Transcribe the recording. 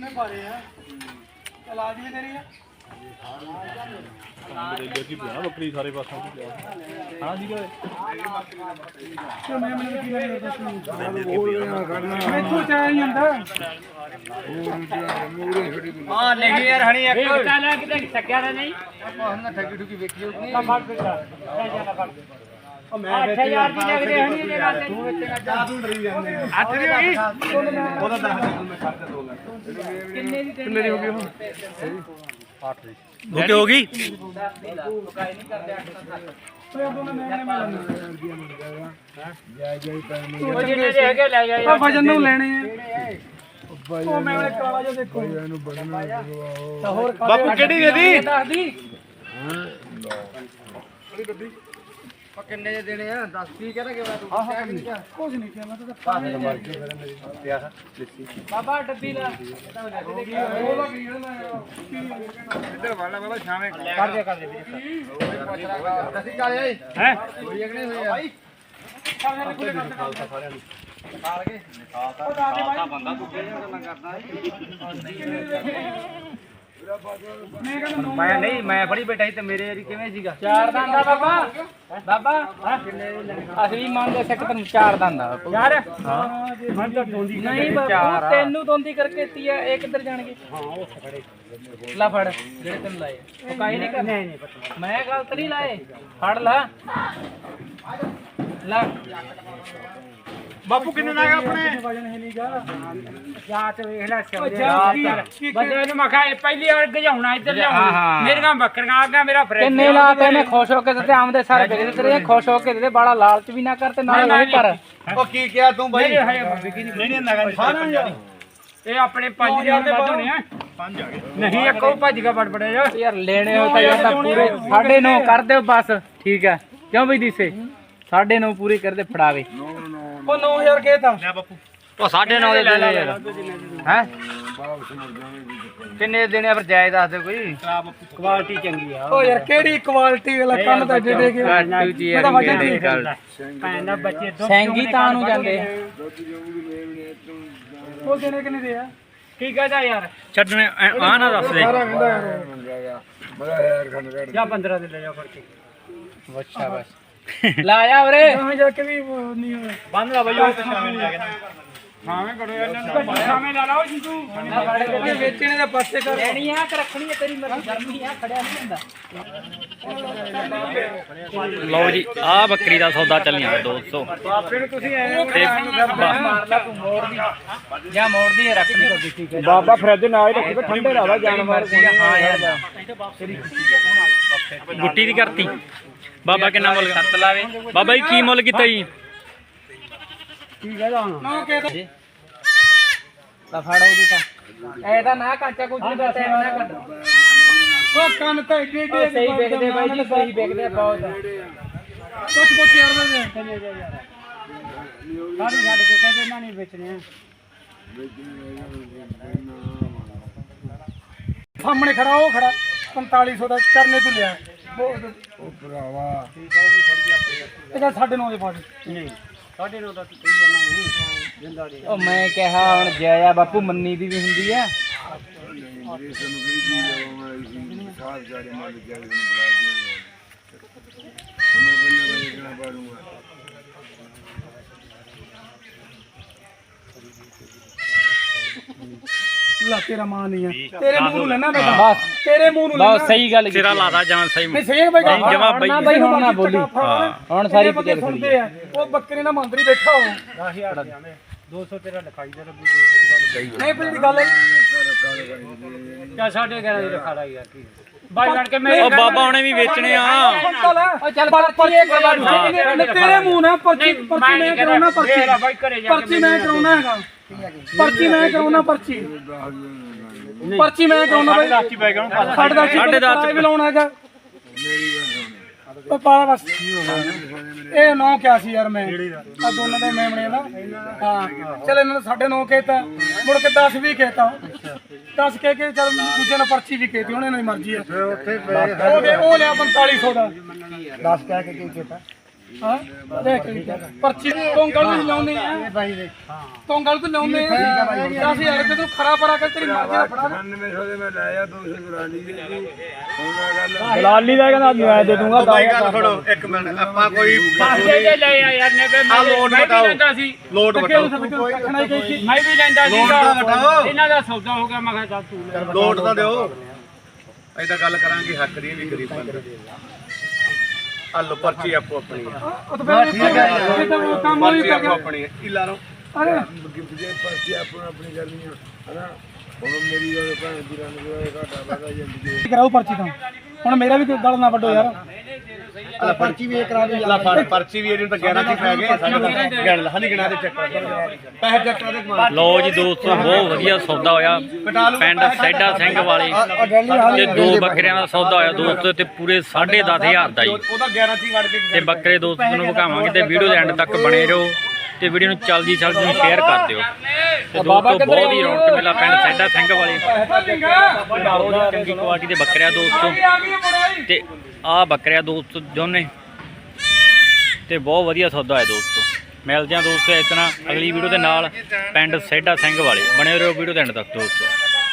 ਨੇ ਪਾਰੇ ਆ ਇਲਾਜ ਵੀ ਤੇਰੀ ਆ ਦੇਖੀ ਪਿਆ ਬੱਕਰੀ ਸਾਰੇ ਪਾਸੋਂ ਹਾਂ ਜੀ ਮੈਂ ਕੀ ਮੈਥੋਂ ਚਾਹ ਹੀ ਹੁੰਦਾ ਹਾਂ ਨਹੀਂ ਯਾਰ ਹਣੀ ਇੱਕ ਚੱਲ ਕਿਤੇ ਸਕਿਆ ਨਹੀਂ ਆਪਾਂ ਹੁਣ ਠੱਗੀ ਠੁਗੀ ਵੇਖੀ ਹੋਊਗੀ ਫੜ ਦੇ ਲੈ ਜਾਣਾ ਫੜ ਦੇ ਉਹ ਮੈਂ 8000 ਦੀ ਲੱਗਦੇ ਹਣੀ ਜੇ ਗੱਲ ਤੂੰ ਵੇਚੇਗਾ ਜਾ ਤੂੰ ਡਰੀ ਜਾਂਦੇ 8 ਦੀ ਹੋ ਗਈ ਉਹਦਾ 10 ਮੈਂ ਖਰਚਾ 2 ਲੱਖ ਕਿੰਨੇ ਦੀ ਕਿੰਨੇ ਦੀ ਹੋ ਗਈ ਹੁਣ 8 ਦੀ ਓਕੇ ਹੋ ਗਈ ਉਹ ਜਿੰਨੇ ਦੇ ਹੈਗੇ ਲੈ ਜਾ ਆ ਵਜਨ ਨੂੰ ਲੈਣੇ ਆ ਉਹ ਮੈਂ ਉਹਨੇ ਕਾਲਾ ਜਿਹਾ ਦੇਖੋ ਇਹਨੂੰ ਬੜਨਾ ਤਾਂ ਹੋਰ ਬਾਪੂ ਕਿਹੜੀ ਦੇ ਦੀ ਦੱਸ ਦੀ ਉਹ ਕਿੰਨੇ ਦੇ ਦੇਣੇ ਆ 10 ਕੀ ਕਹਿੰਦਾ ਕਿ ਤੂੰ ਕੁਝ ਨਹੀਂ ਕਿਹਾ ਮੈਂ ਤਾਂ ਪਾਣੀ ਬਾਬਾ ਡੱਬੀ ਲਾ ਉਹਦਾ ਕੀ ਕਹਿਣਾ ਇੱਧਰ ਵਾਲਾ ਵਾਲਾ ਛਾਵੇਂ ਕਰ ਦੇ ਦੱਸੀ ਕਾਲੇ ਆਈ ਹੈ ਹੋਈ ਕਿ ਨਹੀਂ ਹੋਈ ਆ ਖਾਲਸਾ ਬੰਦਾ ਤੂੰ ਕਿਹੜੀਆਂ ਗੱਲਾਂ ਕਰਦਾ ਮੈਂ ਨਹੀਂ ਮੈਂ ਫੜੀ ਬੈਠਾ ਸੀ ਤੇ ਮੇਰੇ ਯਾਰੀ ਕਿਵੇਂ ਸੀਗਾ ਚਾਰ ਦੰਦਾ ਬਾਬਾ ਅਸੀਂ ਮੰਨਦੇ ਸਿੱਖ ਤੈਨੂੰ ਚਾਰ ਦੰਦਾ ਯਾਰ ਹਾਂ ਜੇ ਮੈਂ ਤਾਂ ਢੋਂਦੀ ਨਹੀਂ ਬਾਬੂ ਤੈਨੂੰ ਦੋਂਦੀ ਕਰਕੇ ਦਿੱਤੀ ਆ ਇਹ ਕਿੱਧਰ ਜਾਣਗੇ ਹਾਂ ਉਹ ਖੜੇ ਲਾ ਫੜ ਜਿਹੜੇ ਤੈਨੂੰ ਲਾਏ ਉਹ ਕਾਈ ਨਹੀਂ ਕਰਨਾ ਨਹੀਂ ਪਤਾ ਮੈਂ ਗਲਤ ਨਹੀਂ ਲਾਏ ਫੜ ਲਾ ਲਾ ਬਾਪੂ ਕਿੰਨੇ ਲੱਗ ਆਪਣੇ ਵਜਨ ਹੈ ਨਹੀਂਗਾ ਜਾਤ ਵੇਖ ਲੈ ਕੀ ਬੰਦੇ ਨੂੰ ਮਖਾ ਪਹਿਲੀ ਵਾਰ ਗਜਾਉਣਾ ਇੱਧਰ ਲਿਆਉਣਾ ਮੇਰੀਆਂ ਬੱਕਰੀਆਂ ਆ ਗਿਆ ਮੇਰਾ ਫਰੇਜ ਕਿੰਨੇ ਲਾ ਤੇ ਇਹਨੇ ਖੁਸ਼ ਹੋ ਕੇ ਦਿੱਤੇ ਆਮਦੇ ਸਾਰੇ ਵੇਚਦੇ ਤੇਰੇ ਖੁਸ਼ ਹੋ ਕੇ ਦਿੱਤੇ ਬਾਲਾ ਲਾਲਚ ਵੀ ਨਾ ਕਰ ਤੇ ਨਾਲ ਉਹ ਕਰ ਉਹ ਕੀ ਕਿਹਾ ਤੂੰ ਬਾਈ ਨਹੀਂ ਨਗਾ ਇਹ ਆਪਣੇ 5000 ਦੇ ਵੱਧ ਹੋਣੇ ਆ 5 ਆ ਗਏ ਨਹੀਂ ਇੱਕ ਉਹ ਭੱਜ ਗਿਆ ਬੜਬੜੇ ਯਾਰ ਲੈਣੇ ਹੋ ਤਾਂ ਯਾਰ ਪੂਰੇ 9.5 ਕਰ ਦਿਓ ਬਸ ਠੀਕ ਹੈ ਕਿਉਂ ਬਈ ਦੀਸੇ 9.5 ਪੂਰੀ ਕਰਦੇ ਫੜਾਵੇ ਉਹ 9000 ਕਹਿਤਾ ਲੈ ਬਾਪੂ ਉਹ 9.5 ਦੇ ਲੈ ਲੈ ਯਾਰ ਹੈ ਕਿੰਨੇ ਦੇਣੇ ਫਿਰ ਜਾਇਜ਼ ਦੱਸ ਦੇ ਕੋਈ ਕੁਆਲਿਟੀ ਚੰਗੀ ਆ ਉਹ ਯਾਰ ਕਿਹੜੀ ਕੁਆਲਿਟੀ ਵਾਲਾ ਕੰਮ ਤਾਂ ਜਿਹੜੇ ਕੇ ਮੈਂ ਤਾਂ ਵਜਨ ਠੀਕ ਪੈਂਦਾ ਬੱਚੇ ਸੈਂਗੀ ਤਾਂ ਨੂੰ ਜਾਂਦੇ ਉਹ ਦੇਣੇ ਕਿੰਨੇ ਦੇ ਆ ਕੀ ਕਹਦਾ ਯਾਰ ਛੱਡਣੇ ਆ ਨਾ ਦੱਸ ਦੇ ਜਾਂ 15 ਦੇ ਲੈ ਜਾ ਫੜ ਕੇ ਅੱਛਾ ਬਸ ਲਾਇਆ ਵੀਰੇ ਹਾਂ ਜਾ ਕੇ ਵੀ ਨਹੀਂ ਹੋਇਆ ਬੰਦ ਲਾ ਬਾਈ ਉਹ ਸ਼ਾਮੇ ਲੈ ਕੇ ਛਾਵੇਂ ਕਰੋ ਇਹਨਾਂ ਨੂੰ ਛਾਵੇਂ ਲਾ ਲਾਓ ਜੀ ਤੂੰ ਵੇਚਣੇ ਦੇ ਪਾਸੇ ਕਰ ਲੈਣੀ ਆ ਕਿ ਰੱਖਣੀ ਆ ਤੇਰੀ ਮਰਜ਼ੀ ਗਰਮੀ ਆ ਖੜਿਆ ਨਹੀਂ ਹੁੰਦਾ ਲਓ ਜੀ ਆ ਬੱਕਰੀ ਦਾ ਸੌਦਾ ਚੱਲਿਆ 200 ਬਾਪੇ ਨੂੰ ਤੁਸੀਂ ਐ ਮਾਰ ਲਾ ਤੂੰ ਮੋੜਦੀ ਜਾਂ ਮੋੜਦੀ ਹੈ ਰੱਖਣੀ ਕੋ ਦਿੱਤੀ ਕੇ ਬਾਬਾ ਫਰਿੱਜ ਨਾਲ ਹੀ ਰੱਖੀ ਠੰਡੇ ਰਹਾ ਜਾਨਵਰ ਹਾਂ ਯਾਰ ਗੁੱਟੀ ਦੀ ਕਰਤੀ ਬਾਬਾ ਕਿੰਨਾ ਮੁੱਲ ਸੱਤ ਲਾਵੇ ਬਾਬਾ ਜੀ ਕੀ ਮੁੱਲ ਕੀਤਾ ਜੀ ਕੀ ਕਹਦਾ ਹੁਣ ਨਾ ਕਹਿਤਾ ਤਾਂ ਫੜ ਉਹਦੀ ਤਾਂ ਐਦਾ ਨਾ ਕਾਚਾ ਕੁਝ ਨਹੀਂ ਕਰਦਾ ਨਾ ਕਰ ਉਹ ਕੰਨ ਤਾਂ ਏਡੇ ਏਡੇ ਸਹੀ ਵੇਖਦੇ ਬਾਈ ਜੀ ਸਹੀ ਵੇਖਦੇ ਬਹੁਤ ਕੁਛ ਯਾਰ ਦੇ ਸਾਡੀ ਛੱਡ ਕੇ ਕਹਿੰਦੇ ਨਾ ਨਹੀਂ ਵੇਚਣੇ ਆ ਸਾਹਮਣੇ ਖੜਾ ਉਹ ਖੜਾ 4500 ਦਾ ਚਰਨੇ ਤੋਂ ਲਿਆ ਉਹ ਭਰਾਵਾ ਇਹਦਾ 9.5 ਦੇ ਫੜ ਨਹੀਂ 9.5 ਦਾ ਤੂੰ ਕਹੀ ਜਾਣਾ ਜਿੰਦਾ ਨਹੀਂ ਉਹ ਮੈਂ ਕਿਹਾ ਹੁਣ ਜਾਇਆ ਬਾਪੂ ਮੰਨੀ ਦੀ ਵੀ ਹੁੰਦੀ ਆ ਲਾ ਤੇਰਾ ਮਾਂ ਨਹੀਂ ਆ ਤੇਰੇ ਮੂੰਹ ਨੂੰ ਲੈਣਾ ਬੇਟਾ ਬਸ ਤੇਰੇ ਮੂੰਹ ਨੂੰ ਬਹੁਤ ਸਹੀ ਗੱਲ ਸਿਰਾ ਲਾਦਾ ਜਾਂ ਸਹੀ ਨਹੀਂ ਸਹੀ ਹੈ ਬਾਈ ਨਹੀਂ, ਜਮਾਂ ਬਾਈ। ਨਾ ਬਾਈ ਹੁਣ ਨਾ ਬੋਲੀ ਹੁਣ ਸਾਰੀ ਬੰਦੇ ਪਿੱਛੇ ਸੁਣਦੇ ਆ ਉਹ ਬੱਕਰੀ ਨਾਲ ਮੰਦਰੀ ਬੈਠਾ ਹੋ 200 ਤੇਰਾ ਲਿਖਾਈ ਦੇ 200 ਨਹੀਂ ਪਰ ਗੱਲ ਹੈ ਚਾ 11.5 ਦੀ ਲਿਖਾ ਲਾ ਯਾਰ ਕੀ ਬਾਈ ਬਣ ਕੇ ਮੈਂ ਉਹ ਬਾਬਾ ਉਹਨੇ ਵੀ ਵੇਚਣੇ ਆ ਉਹ ਚੱਲ ਪਰਚੀ ਇਹ ਕਰਵਾ ਦੂ ਤੇਰੇ ਮੂੰਹ ਨਾਲ ਪਰਚੀ ਮੈਂ ਕਰਾਉਣਾ ਪਰਚੀ ਬਾਈ ਘਰੇ ਜਾ ਪਰਚੀ ਮੈਂ ਕਰਾਉਣਾ ਹੈਗਾ ਪਰਚੀ ਮੈਂ ਕਰਾਉਣਾ ਪਰਚੀ ਪਰਚੀ ਮੈਂ ਕਰਾਉਣਾ ਬਾਈ ਰਾਚੀ ਪੈ ਗਿਆ ਹੁਣ ਸਾਡੇ ਦਾ ਵੀ ਲਾਉਣਾ ਹੈਗਾ ਉਹ ਪਾਲਾ ਬਸ ਇਹ 9 ਕਿਹਾ ਸੀ ਯਾਰ ਮੈਂ ਆ ਦੋਨਾਂ ਦੇ ਮੇਮਣੇ ਦਾ ਹਾਂ ਚਲ ਇਹਨਾਂ ਨੇ 9.5 ਕਹਿਤਾ ਮੁੜ ਕੇ 10 ਵੀ ਕਹਿਤਾ 10 ਕਹਿ ਕੇ ਚਲ ਦੂਜੇ ਨੇ ਪਰਚੀ ਵੀ ਕਹਿਤੀ ਹੁਣ ਇਹਨਾਂ ਦੀ ਮਰਜ਼ੀ ਹੈ ਉਹ ਲਿਆ 4500 ਦਾ 10 ਕਹਿ ਕੇ ਕੀ ਕਹਿਤਾ ਹਾਂ ਦੇਖ ਪਰਚੀ ਕੋਂਗਲ ਨੂੰ ਲਾਉਂਦੇ ਆ ਕੋਂਗਲ ਤੋਂ ਲਾਉਂਦੇ ਆ 10000 ਰੁਪਏ ਤੂੰ ਖਰਾ ਪਰਾ ਕਰ ਤੇਰੀ ਮਰਜ਼ੀ ਦਾ ਫੜਾ 9900 ਦੇ ਮੈਂ ਲਾਇਆ 200 ਗੁਰਾਨੀ ਦੀ ਹੁਣ ਮੈਂ ਗੱਲ ਦਲਾਲੀ ਦਾ ਕਹਿੰਦਾ ਮੈਂ ਦੇ ਦੂੰਗਾ ਬਾਈ ਗੱਲ ਸੁਣੋ ਇੱਕ ਮਿੰਟ ਆਪਾਂ ਕੋਈ ਪਾਸੇ ਜੇ ਲੈ ਆ ਯਾਰ ਨੇ ਆ ਲੋਟ ਬਤਾਓ ਲੋਟ ਬਤਾਓ ਮੈਂ ਵੀ ਲੈਂਦਾ ਸੀਗਾ ਇਹਨਾਂ ਦਾ ਸੌਦਾ ਹੋ ਗਿਆ ਮੈਂ ਕਿਹਾ ਚੱਲ ਤੂੰ ਲੈ ਲੋਟ ਤਾਂ ਦਿਓ ਐਦਾਂ ਗੱਲ ਕਰਾਂਗੇ ਹੱਕ ਦੀ ਵੀ ਗਰੀਬ ਬੰਦੇ ਆ ਲੋ ਪਰਚੀ ਆਪੋ ਆਪਣੀ ਆ ਉਹ ਤਾਂ ਫਿਰ ਕੰਮ ਹੋਈ ਪਰਚੀ ਆਪੋ ਆਪਣੀ ਆ ਇਲਾ ਲਓ ਅਰੇ ਗਿਫਟ ਦੇ ਪਾਸੇ ਆਪਣੀ ਕਰਨੀ ਆ ਹਨਾ ਹੁਣ ਮੇਰੀ ਗੱਲ ਭੈਣ ਦੀ ਰੰਗ ਦਾ ਘਾਟਾ ਵਾਦਾ ਜ਼ਿੰਦਗੀ ਕਰਾਓ ਪਰਚੀ ਤਾਂ ਹੁਣ ਮੇਰਾ ਵੀ ਗਲ ਨਾ ਵੱਡੋ ਯਾਰ ਪਰਚੀ ਵੀ ਕਰਾ ਦੇ ਲਾ ਫੜ ਪਰਚੀ ਵੀ ਇਹਨੂੰ ਤਾਂ 11 ਚ ਪੈ ਗਏ ਸਾਡੇ ਗਣ ਲਾ ਨਹੀਂ ਗਣਾ ਦੇ ਚੱਕ ਪੈਸੇ ਚੱਕ ਦੇ ਕਮਾਲ ਲਓ ਜੀ ਦੋਸਤੋ ਬਹੁਤ ਵਧੀਆ ਸੌਦਾ ਹੋਇਆ ਪਿੰਡ ਸੈਡਾ ਸਿੰਘ ਵਾਲੇ ਤੇ 2 ਬੱਕਰਿਆਂ ਦਾ ਸੌਦਾ ਹੋਇਆ ਦੋਸਤੋ ਤੇ ਪੂਰੇ 10,500 ਦਾ ਜੀ ਉਹਦਾ 11 ਚ ਹੀ ਵੜ ਕੇ ਤੇ ਬੱਕਰੇ ਦੋਸਤੋ ਤੁਹਾਨੂੰ ਵਿਖਾਵਾਂਗੇ ਤੇ ਵੀਡੀਓ ਦੇ ਐਂਡ ਤੱਕ ਬਣੇ ਰਹੋ ਤੇ ਵੀਡੀਓ ਨੂੰ ਜਲਦੀ ਨੂੰ ਸ਼ੇਅਰ ਕਰ ਦਿਓ ਤੇ ਦੋਸਤੋ ਬਹੁਤ ਹੀ ਰੌਣਕ ਮੇਲਾ ਪਿੰਡ ਸੈਡਾ ਸਿੰਘ ਵਾਲੇ ਬਹੁਤ ਹੀ ਚੰਗੀ ਕੁਆਲਿਟੀ ਦੇ ਬੱਕਰਿਆਂ ਦੋਸਤੋ ਤੇ ਆਹ ਬੱਕਰਿਆਂ ਦੋਸਤੋ ਦੋਨੇ ਤੇ ਬਹੁਤ ਵਧੀਆ ਸੌਦਾ ਹੈ ਦੋਸਤੋ ਮਿਲਦੇ ਆ ਦੋਸਤੋ ਇਸ ਤਰ੍ਹਾਂ ਅਗਲੀ ਵੀਡੀਓ ਦੇ ਨਾਲ ਪਿੰਡ ਸੈਡਾ ਸਿੰਘ ਵਾਲੇ ਬਣੇ ਰਹੋ ਵੀਡੀਓ ਦੇ ਐਂਡ ਤੱਕ ਦੋਸਤੋ।